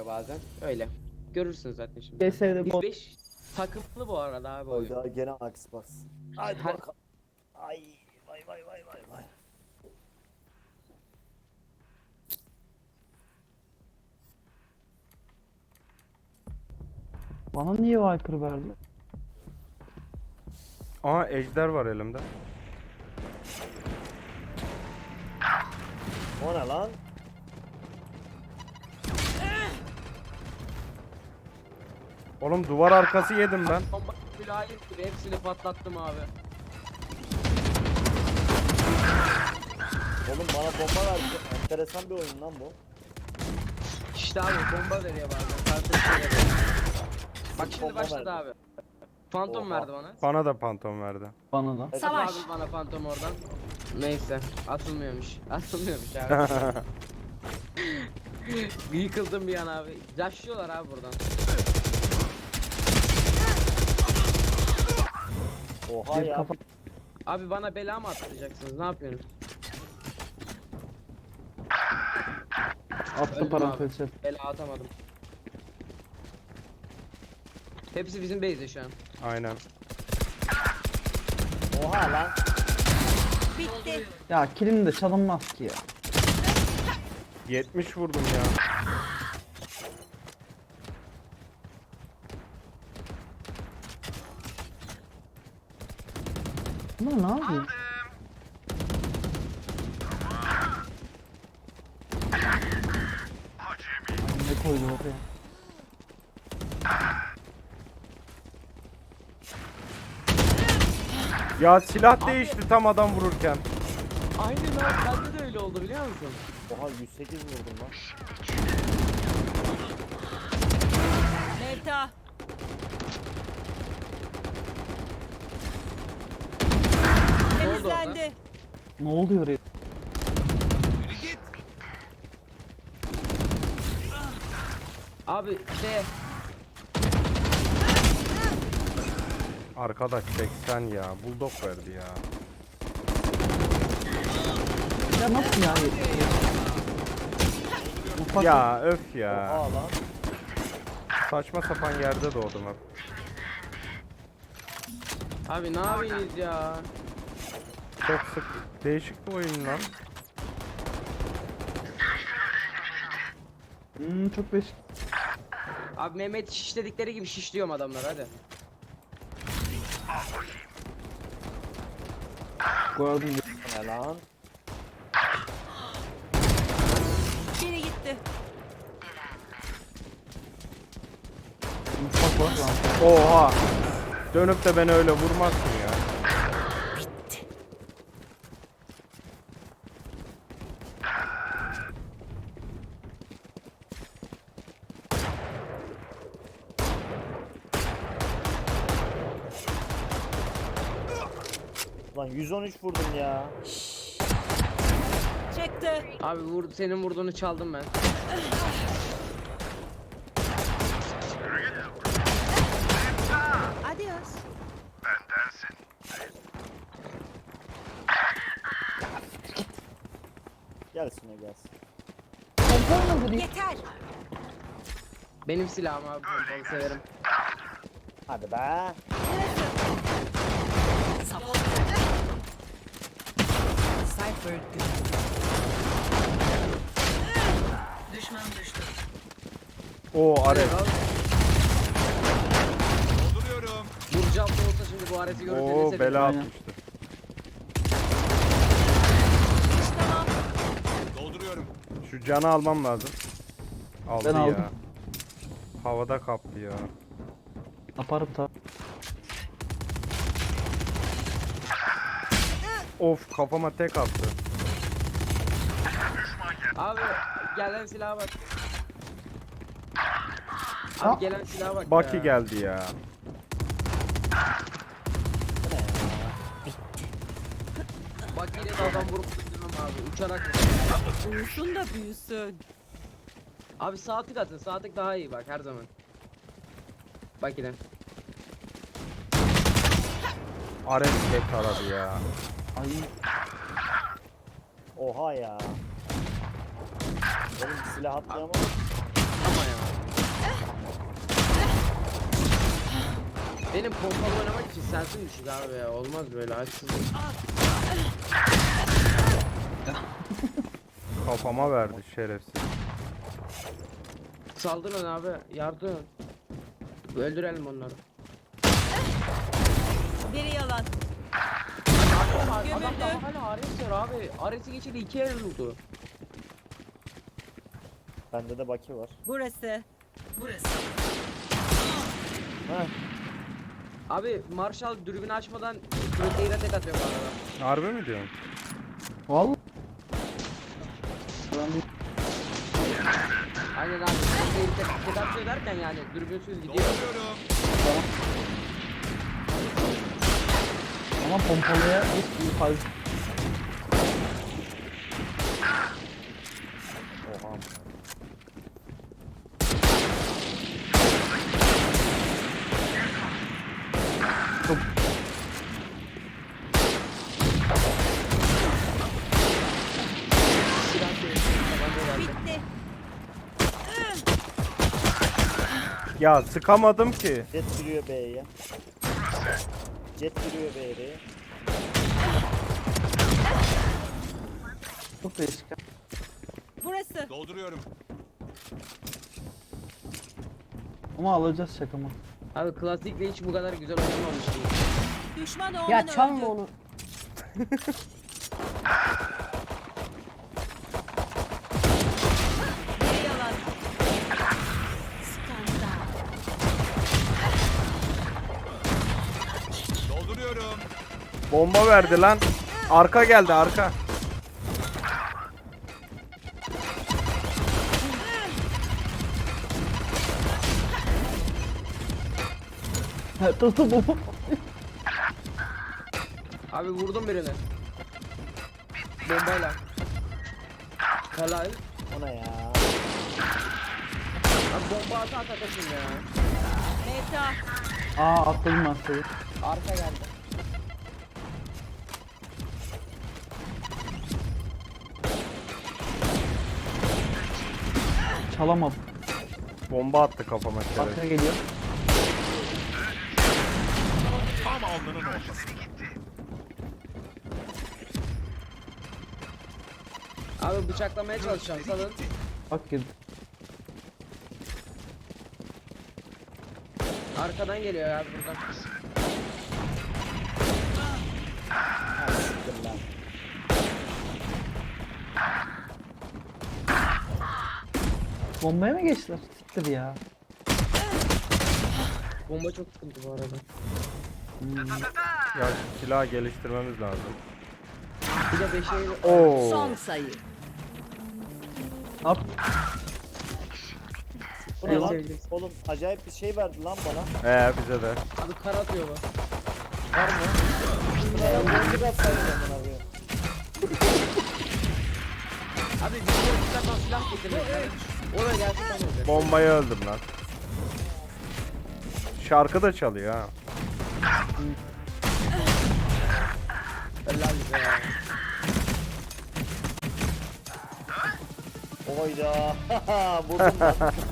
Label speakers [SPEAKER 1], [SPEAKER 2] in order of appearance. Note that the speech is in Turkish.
[SPEAKER 1] bazen. Öyle. Görürsünüz zaten şimdi.
[SPEAKER 2] CS'de
[SPEAKER 1] Biz
[SPEAKER 2] bot.
[SPEAKER 1] 5 takımlı bu arada abi oyun.
[SPEAKER 3] Oyda gene Xbox. Haydi
[SPEAKER 1] Her-
[SPEAKER 3] bakalım. Ay vay vay vay vay vay.
[SPEAKER 2] Bana niye Viper verdi?
[SPEAKER 4] Aha ejder var elimde.
[SPEAKER 3] O ne lan?
[SPEAKER 4] Oğlum duvar arkası yedim ben.
[SPEAKER 1] Bomba mülayim gibi hepsini patlattım abi.
[SPEAKER 3] Oğlum bana bomba verdi. Enteresan bir oyun lan bu.
[SPEAKER 1] İşte abi bomba veriyor bazen. Kardeşim veriyor. Bak şimdi
[SPEAKER 3] Bomba
[SPEAKER 1] başladı
[SPEAKER 3] verdi.
[SPEAKER 1] abi. Fantom
[SPEAKER 3] Oha.
[SPEAKER 1] verdi bana.
[SPEAKER 4] Bana da pantom verdi.
[SPEAKER 2] Bana da.
[SPEAKER 3] Evet.
[SPEAKER 5] Savaş.
[SPEAKER 1] Abi bana fantom oradan. Neyse. Atılmıyormuş. Atılmıyormuş abi. Yıkıldım bir an abi. Yaşlıyorlar abi buradan.
[SPEAKER 3] Oha
[SPEAKER 2] Bir
[SPEAKER 3] ya.
[SPEAKER 2] kafa.
[SPEAKER 1] Abi bana bela mı atlayacaksınız? Ne yapıyorsunuz?
[SPEAKER 2] Attı
[SPEAKER 1] Öldüm
[SPEAKER 2] parantez.
[SPEAKER 1] Bela atamadım. Hepsi bizim base'de şu an.
[SPEAKER 4] Aynen.
[SPEAKER 3] Oha lan.
[SPEAKER 5] Bitti.
[SPEAKER 2] Ya kilim de çalınmaz ki ya.
[SPEAKER 4] 70 vurdum ya.
[SPEAKER 2] Bunlar ne yapıyor? Ay, ne koydu oraya?
[SPEAKER 4] Ya silah değişti tam adam vururken.
[SPEAKER 1] Aynen abi bende de öyle oldu biliyor musun?
[SPEAKER 3] Oha 108 vurdum lan.
[SPEAKER 5] Mevta. Temizlendi.
[SPEAKER 2] Ne oluyor oraya?
[SPEAKER 1] Abi
[SPEAKER 4] Arkadaş 80 ya. Bulldog verdi ya.
[SPEAKER 2] Ya nasıl ya? Ufak
[SPEAKER 4] Ya öf ya.
[SPEAKER 3] Oha lan.
[SPEAKER 4] Saçma sapan yerde doğdum hep.
[SPEAKER 1] abi ne yapıyorsunuz ya?
[SPEAKER 4] Çok sık değişik bir oyun lan.
[SPEAKER 2] çok beş.
[SPEAKER 1] Abi Mehmet şişledikleri gibi şişliyorum adamlar hadi.
[SPEAKER 2] Gördüm.
[SPEAKER 3] O ne lan?
[SPEAKER 5] Biri gitti.
[SPEAKER 2] Ufak var lan.
[SPEAKER 4] Oha. Dönüp de beni öyle vurmazsın ya.
[SPEAKER 3] Lan 113 vurdum ya.
[SPEAKER 5] Çıktı.
[SPEAKER 1] Abi senin vurduğunu çaldım ben.
[SPEAKER 5] Adios.
[SPEAKER 3] Gelsin o gelsin.
[SPEAKER 5] Yeter.
[SPEAKER 1] Benim silahım abi. Onu severim.
[SPEAKER 3] Hadi be.
[SPEAKER 5] Cypher.
[SPEAKER 4] O Ares.
[SPEAKER 1] Vuracağım da olsa şimdi bu areti görüp
[SPEAKER 4] Oo
[SPEAKER 1] denese
[SPEAKER 4] bela
[SPEAKER 2] Aynen.
[SPEAKER 4] atmıştı. Şu canı almam lazım. Aldı
[SPEAKER 2] Ben
[SPEAKER 4] ya.
[SPEAKER 2] aldım.
[SPEAKER 4] Havada kaptı ya.
[SPEAKER 2] Yaparım tabi.
[SPEAKER 4] Of kafama tek attı.
[SPEAKER 1] Abi gelen silaha bak.
[SPEAKER 2] Ha?
[SPEAKER 1] Abi gelen silaha bak
[SPEAKER 4] Baki
[SPEAKER 1] ya.
[SPEAKER 4] geldi ya.
[SPEAKER 1] Bak yine de adam vurup öldürmem abi. Uçarak.
[SPEAKER 5] Uyusun da büyüsün.
[SPEAKER 1] Abi sağ tık atın. Sağ tık daha iyi bak her zaman. Bak yine.
[SPEAKER 4] Ares tek aradı ya.
[SPEAKER 2] Ay
[SPEAKER 3] Oha ya. Oğlum silah atlayamam.
[SPEAKER 1] Ama ya. Benim pompalı oynamak için sensin düşük abi ya. Olmaz böyle haksızlık.
[SPEAKER 4] Kafama verdi şerefsiz.
[SPEAKER 1] Saldırın abi. Yardım. Öldürelim onları.
[SPEAKER 5] Biri yalan.
[SPEAKER 1] Adam
[SPEAKER 5] Gömüldü.
[SPEAKER 1] daha hala Ares var abi. Ares'i geçeli 2 el oldu.
[SPEAKER 3] Bende de Baki var.
[SPEAKER 5] Burası.
[SPEAKER 3] Heh.
[SPEAKER 1] Abi Marshall dürbünü açmadan proteine tek atıyor bu arada.
[SPEAKER 4] Harbi mi diyorsun?
[SPEAKER 2] Vallahi.
[SPEAKER 1] Aynen abi. Proteine tek atıyor derken yani dürbünsüz gidiyor.
[SPEAKER 2] Ama pompalıya hiç iyi fazla.
[SPEAKER 3] Oha.
[SPEAKER 1] Silah değil. Tabanca verdi.
[SPEAKER 5] Bitti.
[SPEAKER 4] Ya sıkamadım ki.
[SPEAKER 3] Jet giriyor B'ye. Jet giriyor B'ye.
[SPEAKER 2] Çok değişik.
[SPEAKER 5] Burası.
[SPEAKER 6] Dolduruyorum.
[SPEAKER 2] Ama alacağız şakamı.
[SPEAKER 1] Abi klasikle hiç bu kadar güzel oynamamıştım.
[SPEAKER 5] Düşman oğlun
[SPEAKER 7] Ya
[SPEAKER 5] öldü.
[SPEAKER 7] çalma onu.
[SPEAKER 5] Biri yalan. Skandal.
[SPEAKER 6] Dolduruyorum.
[SPEAKER 4] Bomba verdi lan. Arka geldi arka.
[SPEAKER 2] Tuttu bu.
[SPEAKER 1] Abi vurdum birini. Bombayla. Helal.
[SPEAKER 3] Ona ya.
[SPEAKER 1] Abi bomba ata atakasın ya.
[SPEAKER 5] Meta.
[SPEAKER 2] Aa atladım ben sayı.
[SPEAKER 1] Arka geldi.
[SPEAKER 2] Çalamadım.
[SPEAKER 4] Bomba attı kafama şerefsiz.
[SPEAKER 2] Arka geliyor.
[SPEAKER 6] Tam alnının ortası.
[SPEAKER 1] Abi bıçaklamaya çalışacağım salın.
[SPEAKER 2] Bak girdi.
[SPEAKER 1] Arkadan geliyor abi buradan.
[SPEAKER 3] Ha siktir lan.
[SPEAKER 2] Bombaya mı geçtiler? Siktir ya.
[SPEAKER 1] Bomba çok sıkıntı bu arada.
[SPEAKER 4] Ya şu silahı geliştirmemiz lazım.
[SPEAKER 1] Bir de 5'e
[SPEAKER 4] Oo.
[SPEAKER 5] Son sayı.
[SPEAKER 2] At.
[SPEAKER 3] Bu ne
[SPEAKER 1] En
[SPEAKER 3] lan?
[SPEAKER 1] sevdiğim.
[SPEAKER 3] Oğlum acayip bir şey verdi lan bana.
[SPEAKER 4] Bize de.
[SPEAKER 1] Abi kar atıyor bu.
[SPEAKER 3] Var mı? Ya boncuk atsaydı amına koyayım.
[SPEAKER 1] Abi bir de silah getirmek. Oraya gerçekten olacak.
[SPEAKER 4] Bombayı öldüm lan. Şarkı da çalıyor ha.
[SPEAKER 1] Helal bize ya.
[SPEAKER 3] Oyda. Buldum lan.